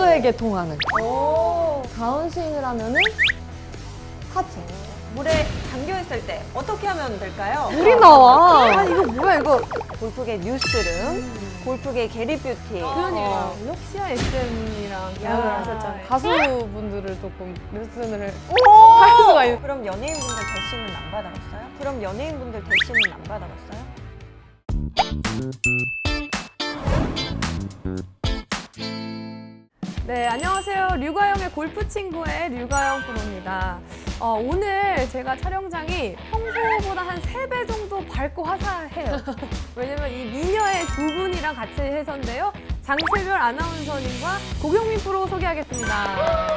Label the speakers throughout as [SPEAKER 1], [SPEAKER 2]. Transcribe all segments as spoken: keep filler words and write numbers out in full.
[SPEAKER 1] 물에게 통하는.
[SPEAKER 2] 오.
[SPEAKER 1] 다운스윙을 하면은 하체.
[SPEAKER 2] 물에 잠겨있을 때 어떻게 하면 될까요?
[SPEAKER 1] 물이 나와.
[SPEAKER 2] 아, 이거 뭐야, 이거. 골프계 뉴스룸, 골프계 게리뷰티.
[SPEAKER 3] 그러니까 럭시아 에스엠이랑 계약을
[SPEAKER 2] 야.
[SPEAKER 3] 하셨잖아요.
[SPEAKER 1] 가수분들을 조금 레슨을
[SPEAKER 2] 오!
[SPEAKER 1] 할 수가 있.
[SPEAKER 2] 그럼 연예인분들 대시는 안 받아봤어요? 그럼 연예인분들 대시는 안 받아봤어요?
[SPEAKER 3] 네, 안녕하세요. 류가영의 골프 친구의 류가영 프로입니다. 어, 오늘 제가 촬영장이 평소보다 한 세 배 정도 밝고 화사해요. 왜냐면 이 미녀의 두 분이랑 같이 해서인데요. 장채별 아나운서님과 고경민 프로 소개하겠습니다.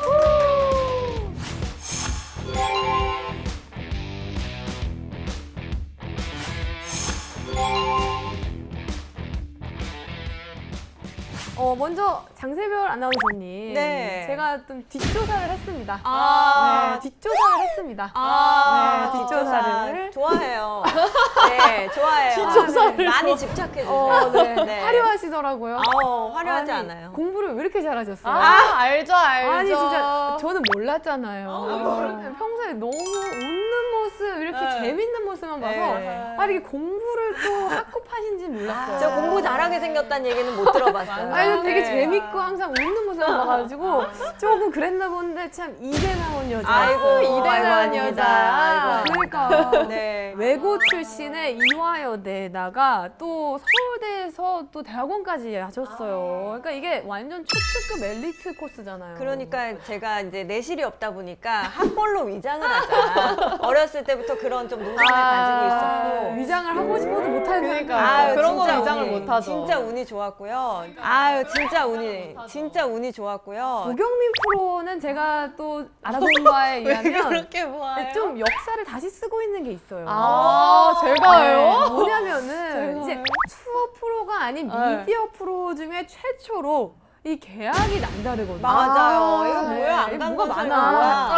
[SPEAKER 3] 어, 먼저 장세별 아나운서님.
[SPEAKER 2] 네.
[SPEAKER 3] 제가 좀 뒷조사를 했습니다.
[SPEAKER 2] 아,
[SPEAKER 3] 네, 뒷조사를 했습니다.
[SPEAKER 2] 아,
[SPEAKER 3] 네, 뒷조사를.
[SPEAKER 2] 좋아해요. 네, 좋아해요.
[SPEAKER 3] 뒷조사를
[SPEAKER 2] 많이
[SPEAKER 3] 좋아-
[SPEAKER 2] 집착해주세요.
[SPEAKER 3] 어, 네.
[SPEAKER 2] 네.
[SPEAKER 3] 화려하시더라고요.
[SPEAKER 2] 어, 화려하지
[SPEAKER 3] 아니,
[SPEAKER 2] 않아요.
[SPEAKER 3] 공부를 왜 이렇게 잘하셨어요?
[SPEAKER 1] 아, 알죠, 알죠.
[SPEAKER 3] 아니 진짜 저는 몰랐잖아요.
[SPEAKER 2] 어,
[SPEAKER 3] 평소에 너무 웃는 모습 이렇게
[SPEAKER 2] 네.
[SPEAKER 3] 재밌는 모습만 봐서
[SPEAKER 2] 네.
[SPEAKER 3] 아 이렇게 공부를 또 학급하신지 몰랐어요.
[SPEAKER 2] 저 공부 잘하게 생겼다는 얘기는 못 들어봤어요.
[SPEAKER 3] 아니 되게
[SPEAKER 2] 네.
[SPEAKER 3] 재밌고 항상 웃는 모습을 봐가지고 조금 그랬나 본데 참 이대 나온 여자.
[SPEAKER 2] 아이고,
[SPEAKER 1] 이대
[SPEAKER 2] 아이고,
[SPEAKER 1] 나온
[SPEAKER 2] 아닙니다.
[SPEAKER 1] 여자.
[SPEAKER 2] 아이고,
[SPEAKER 3] 그러니까
[SPEAKER 2] 네.
[SPEAKER 3] 외고 출신의 이화여대에다가 또 서울대에서 또 대학원까지 하셨어요. 그러니까 이게 완전 초특급 엘리트 코스잖아요.
[SPEAKER 2] 그러니까 제가 이제 내실이 없다 보니까 학벌로 위장을 하자. 어렸을 때부터 그런 좀 노선을 가지고 있었고.
[SPEAKER 3] 위장을 하고 싶어도 못하는
[SPEAKER 1] 그러니까.
[SPEAKER 3] 사람이
[SPEAKER 1] 그런 거
[SPEAKER 2] 진짜
[SPEAKER 1] 위장을
[SPEAKER 2] 운이,
[SPEAKER 1] 못하죠.
[SPEAKER 2] 진짜 운이 좋았고요. 아유, 진짜 운이, 진짜 운이 좋았고요.
[SPEAKER 3] 고경민 프로는 제가 또 알아본 바에 의하면
[SPEAKER 1] 그렇게 뭐예요?
[SPEAKER 3] 좀 역사를 다시 쓰고 있는 게 있어요.
[SPEAKER 1] 아,
[SPEAKER 3] 네,
[SPEAKER 1] 제가요?
[SPEAKER 3] 뭐냐면은 이제
[SPEAKER 1] 제가요?
[SPEAKER 3] 투어 프로가 아닌
[SPEAKER 1] 네.
[SPEAKER 3] 미디어 프로 중에 최초로 이 계약이 남다르거든요.
[SPEAKER 2] 맞아요. 이거
[SPEAKER 3] 네.
[SPEAKER 2] 뭐야?
[SPEAKER 3] 이거
[SPEAKER 2] 안 간
[SPEAKER 3] 뭐가
[SPEAKER 2] 건설
[SPEAKER 3] 많아.
[SPEAKER 2] 뭐야?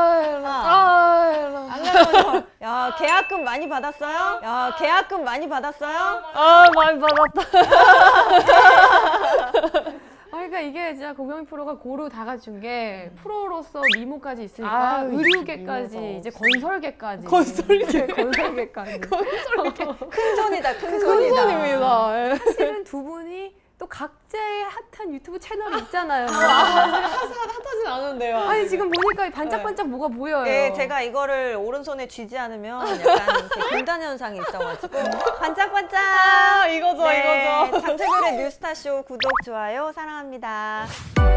[SPEAKER 1] 아,
[SPEAKER 2] 안 가면 야, 계약금 많이 받았어요? 야, 계약금 많이 받았어요?
[SPEAKER 1] 아, 많이 받았다.
[SPEAKER 3] 아, 그러니까 이게 진짜 고경민 프로가 고루 다 갖춘 게 프로로서 미모까지 있으니까
[SPEAKER 1] 아,
[SPEAKER 3] 의류계까지
[SPEAKER 1] 미모가
[SPEAKER 3] 이제 건설계까지
[SPEAKER 1] 건설계.
[SPEAKER 3] 네, 건설계까지
[SPEAKER 2] 큰 손이다, 큰
[SPEAKER 1] 큰
[SPEAKER 2] 손이다.
[SPEAKER 1] 손입니다. 예.
[SPEAKER 3] 사실은 두 분이 또 각자의 핫한 유튜브 채널이 있잖아요.
[SPEAKER 1] 핫하진 않은데요.
[SPEAKER 3] 아니 지금 보니까 반짝반짝 뭐가 보여요.
[SPEAKER 2] 네, 제가 이거를 오른손에 쥐지 않으면 약간 이렇게 금단 현상이 있어가지고 반짝반짝.
[SPEAKER 1] 아, 이거죠,
[SPEAKER 2] 네,
[SPEAKER 1] 이거죠.
[SPEAKER 2] 장세별의 뉴스타쇼 구독, 좋아요 사랑합니다.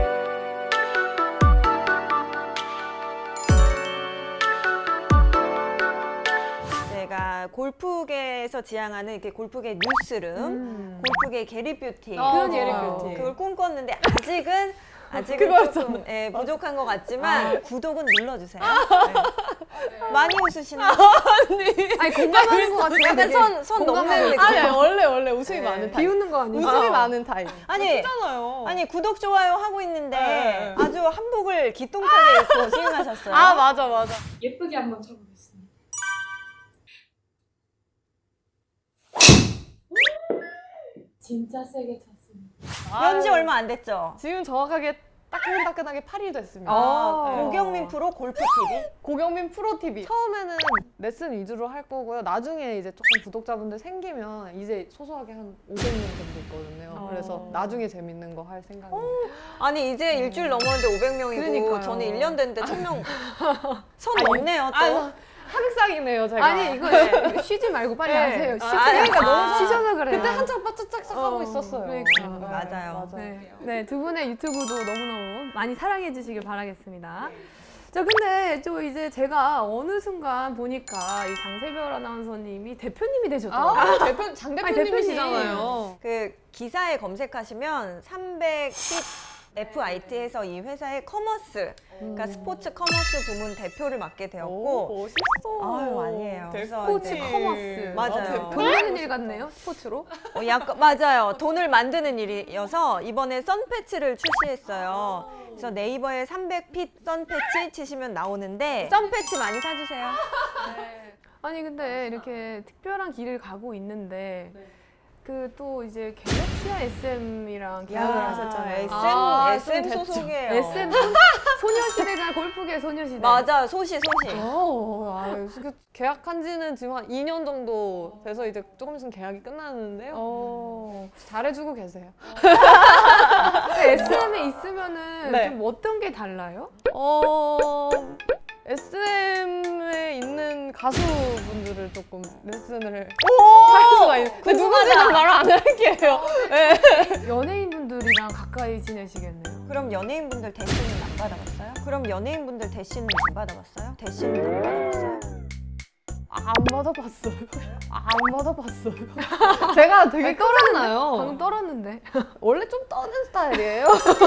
[SPEAKER 2] 제가 골프계에서 지향하는 이렇게 골프계 뉴스룸,
[SPEAKER 3] 음.
[SPEAKER 2] 골프계 게리뷰티
[SPEAKER 1] 어,
[SPEAKER 3] 그러니까요.
[SPEAKER 1] 게리뷰티.
[SPEAKER 2] 그걸 꿈꿨는데 아직은 아직은
[SPEAKER 1] 그거죠.
[SPEAKER 2] 조금 예, 부족한 것 같지만 구독은 눌러주세요. 네. 많이 웃으시나요?
[SPEAKER 3] 아니 공감하는 것 같아요.
[SPEAKER 2] 약간
[SPEAKER 3] 되게.
[SPEAKER 2] 손, 손 넘는 느낌.
[SPEAKER 1] 아니, 원래, 원래 웃음이
[SPEAKER 2] 네.
[SPEAKER 1] 많은 타입.
[SPEAKER 3] 비웃는 거 아니에요?
[SPEAKER 1] 웃음이
[SPEAKER 2] 어.
[SPEAKER 1] 많은 타입.
[SPEAKER 2] 아니,
[SPEAKER 1] 진짜잖아요.
[SPEAKER 2] 아니 구독 좋아요 하고 있는데
[SPEAKER 1] 네.
[SPEAKER 2] 아주 한복을 기똥차게 입고 스윙하셨어요.
[SPEAKER 1] 아, 맞아, 맞아.
[SPEAKER 4] 예쁘게 한번 쳐보겠습니다. 진짜 세게 쳤습니다.
[SPEAKER 2] 연지 얼마 안 됐죠?
[SPEAKER 1] 지금 정확하게 따끈따끈하게 팔 일 됐습니다.
[SPEAKER 2] 어,
[SPEAKER 1] 네.
[SPEAKER 2] 고경민 프로 골프 티비.
[SPEAKER 1] 고경민 프로티비. 처음에는 레슨 위주로 할 거고요. 나중에 이제 조금 구독자분들 생기면 이제 소소하게 한 오백 명 정도 있거든요.
[SPEAKER 3] 어.
[SPEAKER 1] 그래서 나중에 재밌는 거 할 생각입니다.
[SPEAKER 2] 아니 이제 일주일 넘었는데 오백 명이고
[SPEAKER 3] 그러니까요.
[SPEAKER 2] 저는 일 년 됐는데 천 명 손 넘네요 또.
[SPEAKER 1] 아, 하극상이네요, 제가.
[SPEAKER 3] 아니 이거 네, 쉬지 말고 빨리
[SPEAKER 1] 네.
[SPEAKER 3] 하세요. 쉬지
[SPEAKER 2] 아, 그러니까
[SPEAKER 3] 말고.
[SPEAKER 2] 너무
[SPEAKER 3] 쉬셔서 그래요.
[SPEAKER 1] 그때 한참 빠짝짝짝 하고
[SPEAKER 3] 어,
[SPEAKER 1] 있었어요.
[SPEAKER 3] 그러니까.
[SPEAKER 2] 맞아요.
[SPEAKER 3] 네, 네, 두 분의 유튜브도 너무너무 많이 사랑해 주시길 바라겠습니다. 자, 근데 또 이제 제가 어느 순간 보니까 이 장세별 아나운서님이 대표님이 되셨더라고요.
[SPEAKER 1] 아, 대표, 장
[SPEAKER 3] 아니,
[SPEAKER 1] 대표님이시잖아요.
[SPEAKER 2] 그 기사에 검색하시면 삼백십 에프아이티에서 이 회사의 커머스, 그러니까 스포츠 커머스 부문 대표를 맡게 되었고,
[SPEAKER 1] 오, 멋있어.
[SPEAKER 2] 아유, 아니에요. 그래서
[SPEAKER 3] 스포츠
[SPEAKER 2] 이제-
[SPEAKER 3] 커머스.
[SPEAKER 2] 맞아요.
[SPEAKER 3] 돈 되는 일 같네요, 스포츠로.
[SPEAKER 2] 어, 약간 맞아요. 돈을 만드는 일이어서 이번에 선패치를 출시했어요. 그래서 네이버에 삼백 핏 선패치 치시면 나오는데 선패치 많이 사주세요.
[SPEAKER 3] 아니 근데 이렇게 특별한 길을 가고 있는데 그 또 이제 갤럭시아 에스엠이랑 계약을
[SPEAKER 2] 야,
[SPEAKER 3] 하셨잖아요.
[SPEAKER 2] 에스엠,
[SPEAKER 1] 아,
[SPEAKER 2] 에스엠
[SPEAKER 1] 좀 됐죠.
[SPEAKER 2] 소속이에요.
[SPEAKER 3] 에스엠 소, 소녀시대잖아. 골프계 소녀시대.
[SPEAKER 2] 맞아, 소시, 소시.
[SPEAKER 1] 어, 아, 그 계약한 지는 지금 한 이 년 정도 돼서 이제 조금 있으면 계약이 끝나는데요.
[SPEAKER 3] 어.
[SPEAKER 1] 잘해주고 계세요.
[SPEAKER 3] 에스엠에 있으면은
[SPEAKER 1] 네.
[SPEAKER 3] 좀 어떤 게 달라요?
[SPEAKER 1] 어, 에스엠에 있는 가수분들을 조금 레슨을 할 수가 있는. 근데 누군지는 말 안 할게요. 네.
[SPEAKER 3] 연예인분들이랑 가까이 지내시겠네요.
[SPEAKER 2] 그럼 연예인분들 대시는 안 받아봤어요? 그럼 연예인분들 대시는 안 받아봤어요? 대시는 안 받아봤어요?
[SPEAKER 1] 안 받아봤어요. 안 받아봤어요. 제가 되게 떨었나요?
[SPEAKER 3] 방금 떨었는데.
[SPEAKER 1] 원래 좀 떠는 스타일이에요.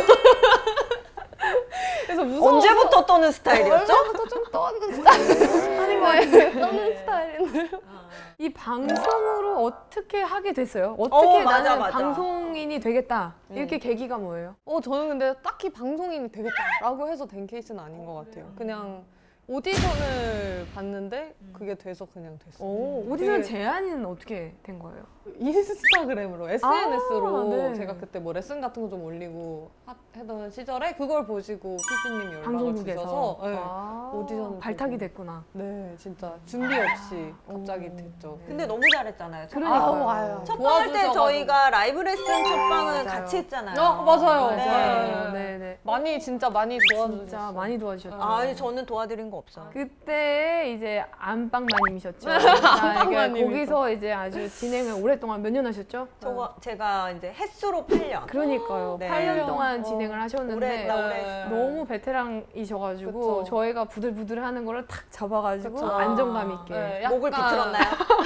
[SPEAKER 1] 그래서 무서워서
[SPEAKER 2] 언제부터 떠는 스타일이었죠?
[SPEAKER 1] 원래부터 좀 떠는 스타일 하는 거예요. 떠는 스타일인데.
[SPEAKER 3] 이 방송으로 어떻게 하게 됐어요? 어떻게
[SPEAKER 2] 어, 맞아,
[SPEAKER 3] 나는
[SPEAKER 2] 맞아.
[SPEAKER 3] 방송인이 되겠다.
[SPEAKER 2] 음.
[SPEAKER 3] 이렇게 계기가 뭐예요?
[SPEAKER 1] 어 저는 근데 딱히 방송인이 되겠다라고 해서 된 케이스는 아닌 것 같아요. 그냥 오디션을 봤는데 그게 돼서 그냥 됐어요.
[SPEAKER 3] 오, 오디션
[SPEAKER 1] 되게-
[SPEAKER 3] 제안은 어떻게 된 거예요?
[SPEAKER 1] 인스타그램으로 에스엔에스로
[SPEAKER 3] 아, 네.
[SPEAKER 1] 제가 그때 뭐 레슨 같은 거 좀 올리고 하- 하던 시절에 그걸 보시고 피디님이 연락을
[SPEAKER 3] 방송국에서
[SPEAKER 1] 주셔서 네.
[SPEAKER 3] 아,
[SPEAKER 1] 오디션을
[SPEAKER 3] 발탁이
[SPEAKER 1] 보고.
[SPEAKER 3] 됐구나.
[SPEAKER 1] 네, 진짜 준비 없이 갑자기
[SPEAKER 3] 오.
[SPEAKER 1] 됐죠.
[SPEAKER 2] 근데 너무 잘했잖아요. 첫
[SPEAKER 3] 그러니까요.
[SPEAKER 1] 아우, 아유.
[SPEAKER 2] 첫방 할 때
[SPEAKER 1] 도와주셔가지고.
[SPEAKER 2] 저희가 라이브 레슨 첫방은
[SPEAKER 3] 맞아요.
[SPEAKER 2] 같이 했잖아요.
[SPEAKER 1] 어, 맞아요.
[SPEAKER 2] 네.
[SPEAKER 1] 맞아요.
[SPEAKER 3] 네, 네.
[SPEAKER 1] 많이 진짜 많이 도와주셨어요.
[SPEAKER 3] 진짜 많이 도와주셨죠.
[SPEAKER 2] 아니 저는 도와드린 거 없어요.
[SPEAKER 3] 그때 이제 안방마님이셨죠. 그러니까
[SPEAKER 1] 안방마님이죠.
[SPEAKER 3] 거기서 이제 아주 진행을 오랫동안 몇 년 하셨죠?
[SPEAKER 2] 저거 제가 이제 횟수로 팔 년.
[SPEAKER 3] 그러니까요.
[SPEAKER 2] 네.
[SPEAKER 3] 팔 년 동안
[SPEAKER 1] 어.
[SPEAKER 3] 진행을 하셨는데
[SPEAKER 2] 오래 했다, 오래
[SPEAKER 1] 네.
[SPEAKER 2] 했어.
[SPEAKER 3] 너무 베테랑이셔가지고
[SPEAKER 1] 그쵸.
[SPEAKER 3] 저희가 부들부들 하는 거를 탁 잡아가지고
[SPEAKER 1] 그쵸.
[SPEAKER 3] 안정감 있게.
[SPEAKER 1] 네,
[SPEAKER 2] 목을
[SPEAKER 1] 약간
[SPEAKER 2] 비틀었나요?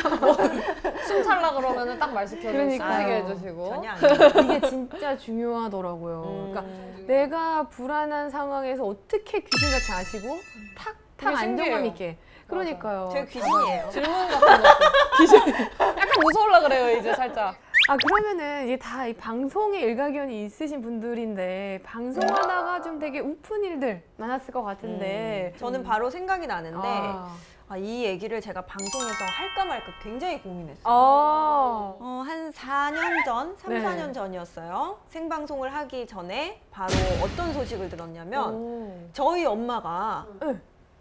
[SPEAKER 1] 숨 찰라 그러면은 딱 말 시켜주시고
[SPEAKER 3] 그러니까요.
[SPEAKER 1] 하시게 해주시고.
[SPEAKER 2] 전혀 아니에요.
[SPEAKER 3] 이게 진짜 중요하더라고요.
[SPEAKER 2] 음.
[SPEAKER 3] 그러니까 내가 불안한 상황에서 어떻게 귀신같이 아시고 탁탁
[SPEAKER 1] 되게
[SPEAKER 3] 안정감
[SPEAKER 1] 신기해요.
[SPEAKER 3] 있게. 그러니까요.
[SPEAKER 2] 제가 귀신이에요.
[SPEAKER 1] 질문 같은 거 귀신 약간 무서울라 그래요 이제 살짝.
[SPEAKER 3] 아 그러면은 이게 다 이 방송에 일가견이 있으신 분들인데 방송하다가 좀 되게 우픈 일들 많았을 것 같은데.
[SPEAKER 2] 저는 바로 생각이 나는데
[SPEAKER 3] 아.
[SPEAKER 2] 아, 이 얘기를 제가 방송에서 할까 말까 굉장히 고민했어요.
[SPEAKER 3] 아.
[SPEAKER 2] 어, 한 사 년 전, 삼,
[SPEAKER 3] 네.
[SPEAKER 2] 사 년 전이었어요. 생방송을 하기 전에 바로 어떤 소식을 들었냐면
[SPEAKER 3] 오.
[SPEAKER 2] 저희 엄마가
[SPEAKER 3] 네.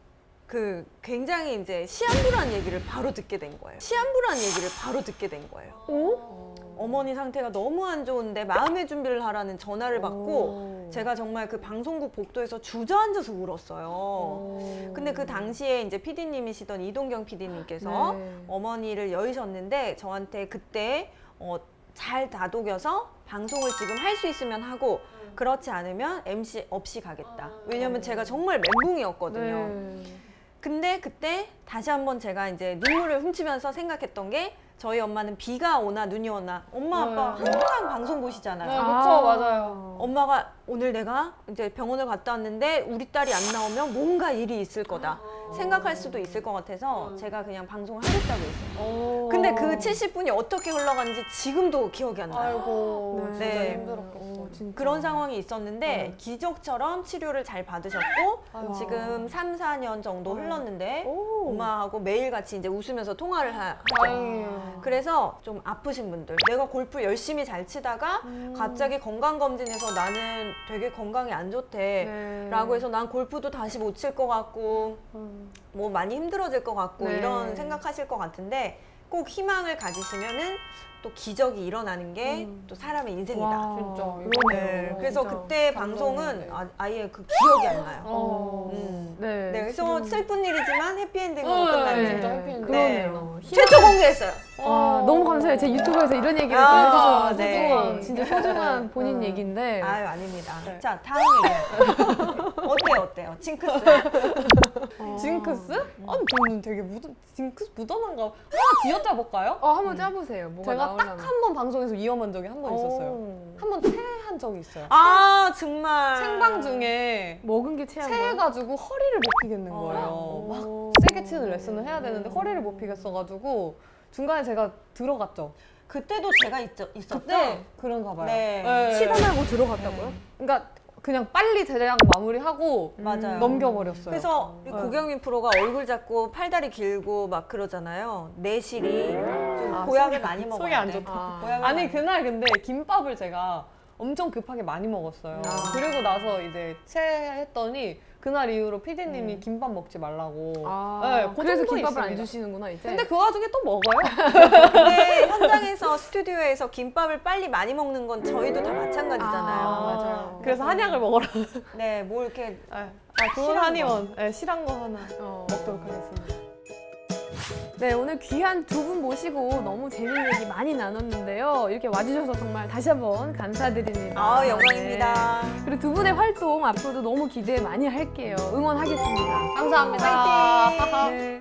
[SPEAKER 2] 그 굉장히 이제 시한부란 얘기를 바로 듣게 된 거예요. 시한부란 얘기를 바로 듣게 된 거예요.
[SPEAKER 3] 오?
[SPEAKER 2] 어머니 상태가 너무 안 좋은데 마음의 준비를 하라는 전화를 받고
[SPEAKER 1] 오.
[SPEAKER 2] 제가 정말 그 방송국 복도에서 주저앉아서 울었어요.
[SPEAKER 1] 오.
[SPEAKER 2] 근데 그 당시에 이제 피디님이시던 이동경 피디님께서
[SPEAKER 3] 네.
[SPEAKER 2] 어머니를 여의셨는데 저한테 그때 어, 잘 다독여서 방송을 지금 할 수 있으면 하고 그렇지 않으면 엠씨 없이 가겠다. 왜냐면 제가 정말 멘붕이었거든요.
[SPEAKER 3] 네.
[SPEAKER 2] 근데 그때 다시 한번 제가 이제 눈물을 훔치면서 생각했던 게 저희 엄마는 비가 오나 눈이 오나 엄마 아빠
[SPEAKER 1] 네.
[SPEAKER 2] 항상 방송 보시잖아요.
[SPEAKER 1] 네, 그쵸, 맞아요.
[SPEAKER 2] 엄마가 오늘 내가 이제 병원을 갔다 왔는데 우리 딸이 안 나오면 뭔가 일이 있을 거다 생각할 수도 있을 것 같아서 제가 그냥 방송을 하겠다고 했어요.
[SPEAKER 1] 오.
[SPEAKER 2] 근데 그 칠십 분이 어떻게 흘러간지 지금도 기억이 안 나요.
[SPEAKER 1] 아이고
[SPEAKER 3] 네.
[SPEAKER 1] 진짜
[SPEAKER 2] 네.
[SPEAKER 1] 힘들었겠어.
[SPEAKER 3] 오, 진짜.
[SPEAKER 2] 그런 상황이 있었는데
[SPEAKER 1] 네.
[SPEAKER 2] 기적처럼 치료를 잘 받으셨고
[SPEAKER 1] 아이고.
[SPEAKER 2] 지금 삼, 사 년 정도 흘렀는데
[SPEAKER 3] 오.
[SPEAKER 2] 엄마하고 매일같이 이제 웃으면서 통화를 하, 하죠.
[SPEAKER 1] 다행이에요.
[SPEAKER 2] 그래서 좀 아프신 분들 내가 골프 열심히 잘 치다가
[SPEAKER 1] 음.
[SPEAKER 2] 갑자기 건강검진에서 나는 되게 건강이 안 좋대
[SPEAKER 3] 네.
[SPEAKER 2] 라고 해서 난 골프도 다시 못 칠 것 같고
[SPEAKER 1] 음.
[SPEAKER 2] 뭐 많이 힘들어질 것 같고
[SPEAKER 3] 네.
[SPEAKER 2] 이런 생각하실 것 같은데 꼭 희망을 가지시면은 또 기적이 일어나는 게 또
[SPEAKER 1] 음.
[SPEAKER 2] 사람의 인생이다.
[SPEAKER 3] 와,
[SPEAKER 1] 진짜.
[SPEAKER 3] 그러네요.
[SPEAKER 2] 네, 그래서
[SPEAKER 3] 진짜.
[SPEAKER 2] 그때
[SPEAKER 1] 감동이네.
[SPEAKER 2] 방송은 아, 아예 그 기억이 안 나요.
[SPEAKER 3] 어.
[SPEAKER 2] 음.
[SPEAKER 3] 네.
[SPEAKER 2] 네, 그래서
[SPEAKER 3] 지금-
[SPEAKER 2] 슬픈 일이지만 해피엔딩으로
[SPEAKER 1] 네,
[SPEAKER 2] 끝나는
[SPEAKER 1] 진짜 해피엔딩.
[SPEAKER 3] 그러네요.
[SPEAKER 2] 최초 공개했어요.
[SPEAKER 3] 아, 너무 감사해요. 제 유튜브에서 이런 얘기를 또
[SPEAKER 2] 아,
[SPEAKER 3] 해주셔서
[SPEAKER 2] 네.
[SPEAKER 3] 소중한, 진짜 소중한 본인
[SPEAKER 1] 음.
[SPEAKER 3] 얘기인데.
[SPEAKER 2] 아유 아닙니다.
[SPEAKER 1] 네.
[SPEAKER 2] 자 다음 얘기. 어때요 어때요? 징크스.
[SPEAKER 3] 어.
[SPEAKER 1] 징크스? 아니 저는 되게 묻어, 징크스 묻어난가 하나 지어짜 볼까요?
[SPEAKER 3] 어, 한번 짜보세요. 뭐가
[SPEAKER 1] 제가
[SPEAKER 3] 나오려면.
[SPEAKER 1] 딱 한 번 방송에서 위험한 적이 한 번 있었어요.
[SPEAKER 3] 오.
[SPEAKER 1] 한 번 체한 적이 있어요.
[SPEAKER 2] 아 정말.
[SPEAKER 1] 생방 중에
[SPEAKER 3] 먹은 게 체한 거예요?
[SPEAKER 1] 체해가지고 허리를 못 피겠는
[SPEAKER 2] 어.
[SPEAKER 1] 거예요. 막
[SPEAKER 3] 오.
[SPEAKER 1] 세게 치는 레슨을 해야 되는데 허리를 못 피겠어가지고 중간에 제가 들어갔죠.
[SPEAKER 2] 그때도 제가 있, 있었죠.
[SPEAKER 1] 그때 그런가 봐요.
[SPEAKER 2] 네.
[SPEAKER 3] 치다 말고 들어갔다고요?
[SPEAKER 1] 그러니까 그냥 빨리 대략 마무리하고
[SPEAKER 2] 맞아요.
[SPEAKER 1] 넘겨버렸어요.
[SPEAKER 2] 그래서 우리
[SPEAKER 1] 네.
[SPEAKER 2] 고경민 프로가 얼굴 작고 팔다리 길고 막 그러잖아요. 내실이 좀
[SPEAKER 1] 아,
[SPEAKER 2] 보약을
[SPEAKER 1] 속이-
[SPEAKER 2] 많이 먹어야
[SPEAKER 1] 속이 안
[SPEAKER 2] 돼.
[SPEAKER 1] 좋다.
[SPEAKER 3] 아.
[SPEAKER 2] 보약을
[SPEAKER 1] 아니
[SPEAKER 2] 많이
[SPEAKER 1] 그날 근데 김밥을 제가 엄청 급하게 많이 먹었어요.
[SPEAKER 2] 아.
[SPEAKER 1] 그리고 나서 이제 체했더니 그날 이후로 피디님이
[SPEAKER 2] 음.
[SPEAKER 1] 김밥 먹지 말라고.
[SPEAKER 3] 아,
[SPEAKER 1] 네, 그
[SPEAKER 3] 그래서
[SPEAKER 1] 정도
[SPEAKER 3] 김밥을 안
[SPEAKER 1] 있습니다.
[SPEAKER 3] 주시는구나 이제.
[SPEAKER 1] 근데 그 와중에 또 먹어요.
[SPEAKER 2] 근데 현장에서 스튜디오에서 김밥을 빨리 많이 먹는 건 저희도 다 마찬가지잖아요.
[SPEAKER 3] 아, 맞아요.
[SPEAKER 1] 그래서 한약을 먹어라.
[SPEAKER 2] 네, 뭐 이렇게
[SPEAKER 1] 아, 좋은
[SPEAKER 2] 실한
[SPEAKER 1] 한의원. 네, 실한 거 하나
[SPEAKER 3] 어.
[SPEAKER 1] 먹도록 하겠습니다.
[SPEAKER 3] 네, 오늘 귀한 두 분 모시고 너무 재밌는 얘기 많이 나눴는데요. 이렇게 와주셔서 정말 다시 한번 감사드립니다.
[SPEAKER 2] 아, 영광입니다.
[SPEAKER 3] 네. 그리고 두 분의 활동 앞으로도 너무 기대 많이 할게요. 응원하겠습니다.
[SPEAKER 1] 감사합니다.
[SPEAKER 3] 네.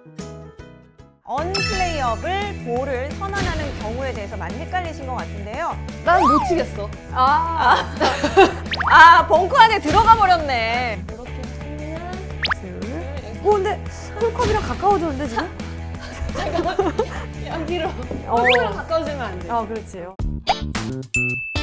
[SPEAKER 2] 언플레이어블 볼을 선언하는 경우에 대해서 많이 헷갈리신 것 같은데요.
[SPEAKER 1] 난 못 치겠어.
[SPEAKER 3] 아,
[SPEAKER 2] 아, 벙커 안에 들어가 버렸네.
[SPEAKER 1] 이렇게 하면
[SPEAKER 3] 둘. 오, 근데 홀컵이랑 가까워졌는데 지금?
[SPEAKER 1] 여기로
[SPEAKER 3] 어.
[SPEAKER 1] 여기로 가까워지면 안 돼.
[SPEAKER 3] 아, 그렇지요.